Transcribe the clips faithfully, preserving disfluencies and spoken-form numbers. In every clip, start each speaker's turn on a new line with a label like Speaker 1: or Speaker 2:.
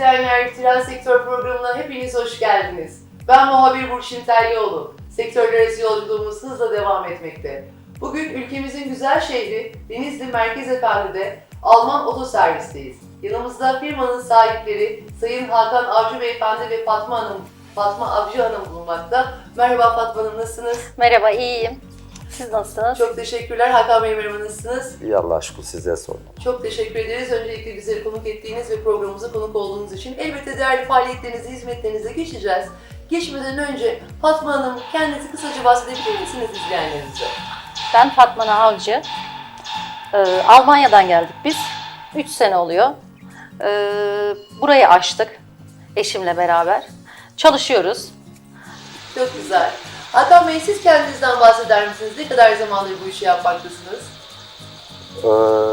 Speaker 1: izleyenler, Tren Sektör programına hepiniz hoş geldiniz. Ben muhabir Burçin Tellioğlu. Sektörler arası yolculuğumuz hızla devam etmekte. Bugün ülkemizin güzel şehri Denizli Merkez Efendi'de Alman Otoservis'teyiz. Yanımızda firmanın sahipleri Sayın Hakan Avcı Beyefendi ve Fatma Hanım, Fatma Avcı Hanım bulunmakta. Merhaba Fatma Hanım, nasılsınız?
Speaker 2: Merhaba, iyiyim. Siz nasılsınız?
Speaker 1: Çok teşekkürler. Hakan Bey, merhaba, nasılsınız?
Speaker 3: İyi, Allah'a şükür, sizlere sorun.
Speaker 1: Çok teşekkür ederiz. Öncelikle bizleri konuk ettiğiniz ve programımıza konuk olduğunuz için. Elbette değerli faaliyetlerinize, hizmetlerinize geçeceğiz. Geçmeden önce Fatma Hanım, kendinizi kısaca bahsedebilir misiniz izleyenlerimize?
Speaker 2: Ben Fatma Avcı. Ee, Almanya'dan geldik biz. üç sene oluyor. Ee, burayı açtık eşimle beraber. Çalışıyoruz.
Speaker 1: Çok güzel. Hakan Bey, siz kendinizden bahseder misiniz? Ne kadar zamandır bu işi yapmaktasınız?
Speaker 3: Ee,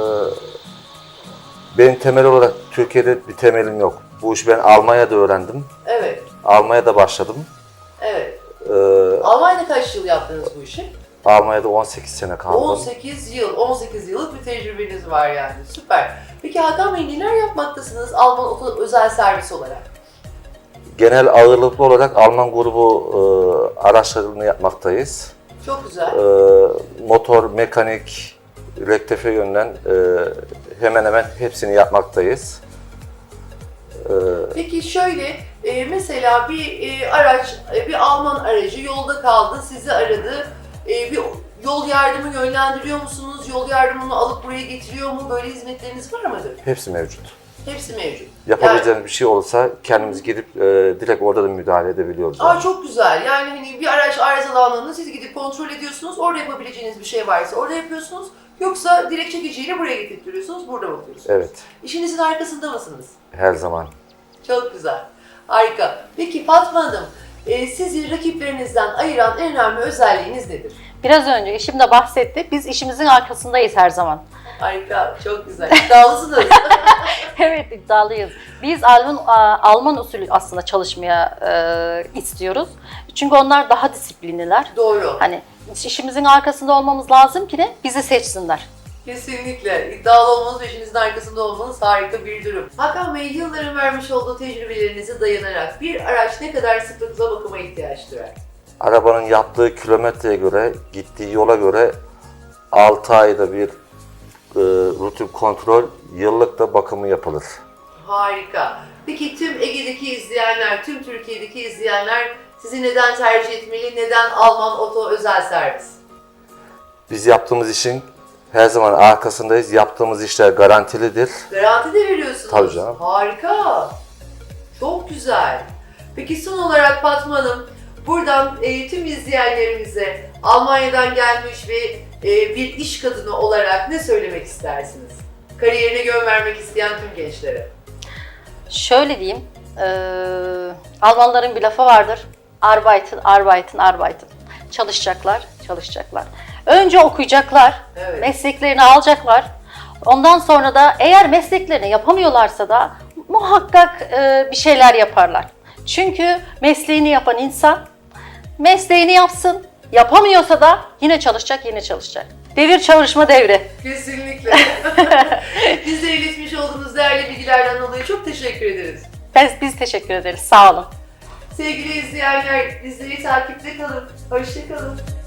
Speaker 3: benim temel olarak Türkiye'de bir temelim yok. Bu işi ben Almanya'da öğrendim.
Speaker 1: Evet.
Speaker 3: Almanya'da başladım.
Speaker 1: Evet.
Speaker 3: Ee,
Speaker 1: Almanya'da kaç yıl yaptınız bu işi?
Speaker 3: Almanya'da on sekiz sene kaldım.
Speaker 1: on sekiz yıl. on sekiz yıllık bir tecrübeniz var yani. Süper. Peki Hakan Bey, neler yapmaktasınız Alman Oto özel servis olarak?
Speaker 3: Genel ağırlıklı olarak Alman grubu e, araçlarını yapmaktayız.
Speaker 1: Çok güzel.
Speaker 3: E, motor, mekanik, rektifiye yönünden e, hemen hemen hepsini yapmaktayız. E,
Speaker 1: Peki şöyle, e, mesela bir e, araç, e, bir Alman aracı yolda kaldı, sizi aradı. E, bir yol yardımı yönlendiriyor musunuz? Yol yardımını alıp buraya getiriyor mu? Böyle hizmetleriniz var mıdır?
Speaker 3: hepsi mevcut.
Speaker 1: Hepsi mevcut.
Speaker 3: Yapabileceğimiz bir şey olursa kendimiz gidip e, direkt orada da müdahale edebiliyoruz.
Speaker 1: Aa,
Speaker 3: Yani.
Speaker 1: çok güzel. Yani hani bir araç arızalandığında siz gidip kontrol ediyorsunuz. Orada yapabileceğiniz bir şey varsa orada yapıyorsunuz. Yoksa direkt çekiciyle buraya getirtiyorsunuz, burada bakıyorsunuz.
Speaker 3: Evet,
Speaker 1: İşinizin arkasında mısınız?
Speaker 3: her zaman.
Speaker 1: Çok güzel. Harika. Peki Fatma Hanım, e, sizi rakiplerinizden ayıran en önemli özelliğiniz nedir?
Speaker 2: Biraz önce eşim de bahsetti. Biz işimizin arkasındayız her zaman.
Speaker 1: Harika, çok güzel. İddialısınız.
Speaker 2: Evet, iddialıyız. Biz Alman, Alman usulü aslında çalışmaya e, istiyoruz. Çünkü onlar daha disiplinliler.
Speaker 1: Doğru.
Speaker 2: Hani işimizin arkasında olmamız lazım ki de bizi seçsinler.
Speaker 1: Kesinlikle. İddialı olmanız ve işinizin arkasında olmanız harika bir durum. Hakan Bey, yılların vermiş olduğu tecrübelerinize dayanarak bir araç ne kadar sıklıkla bakıma ihtiyaç duyar?
Speaker 3: Arabanın yaptığı kilometreye göre, gittiği yola göre altı ayda bir e, rutin kontrol, yıllık da bakımı yapılır.
Speaker 1: Harika. Peki tüm Ege'deki izleyenler, tüm Türkiye'deki izleyenler sizi neden tercih etmeli? Neden Alman Oto özel servis?
Speaker 3: Biz yaptığımız işin her zaman arkasındayız. Yaptığımız işler garantilidir.
Speaker 1: Garanti de veriyorsunuz.
Speaker 3: Tabii canım.
Speaker 1: Harika. Çok güzel. Peki son olarak Fatma Hanım, buradan e, tüm izleyenlerimize Almanya'dan gelmiş ve e, bir iş kadını olarak ne söylemek istersiniz? Kariyerine yön vermek isteyen tüm gençlere.
Speaker 2: Şöyle diyeyim, e, Almanların bir lafı vardır. Arbeiten, arbeiten, arbeiten. Çalışacaklar, çalışacaklar. Önce okuyacaklar,
Speaker 1: Evet.
Speaker 2: mesleklerini alacaklar. Ondan sonra da eğer mesleklerini yapamıyorlarsa da muhakkak e, bir şeyler yaparlar. Çünkü mesleğini yapan insan mesleğini yapsın, yapamıyorsa da yine çalışacak, yine çalışacak. Devir çalışma devri.
Speaker 1: Kesinlikle. Bizlere iletmiş olduğunuz değerli bilgilerden dolayı çok teşekkür ederiz.
Speaker 2: Biz, biz teşekkür ederiz, sağ olun.
Speaker 1: Sevgili izleyenler, bizleri takipte kalın. Hoşça kalın.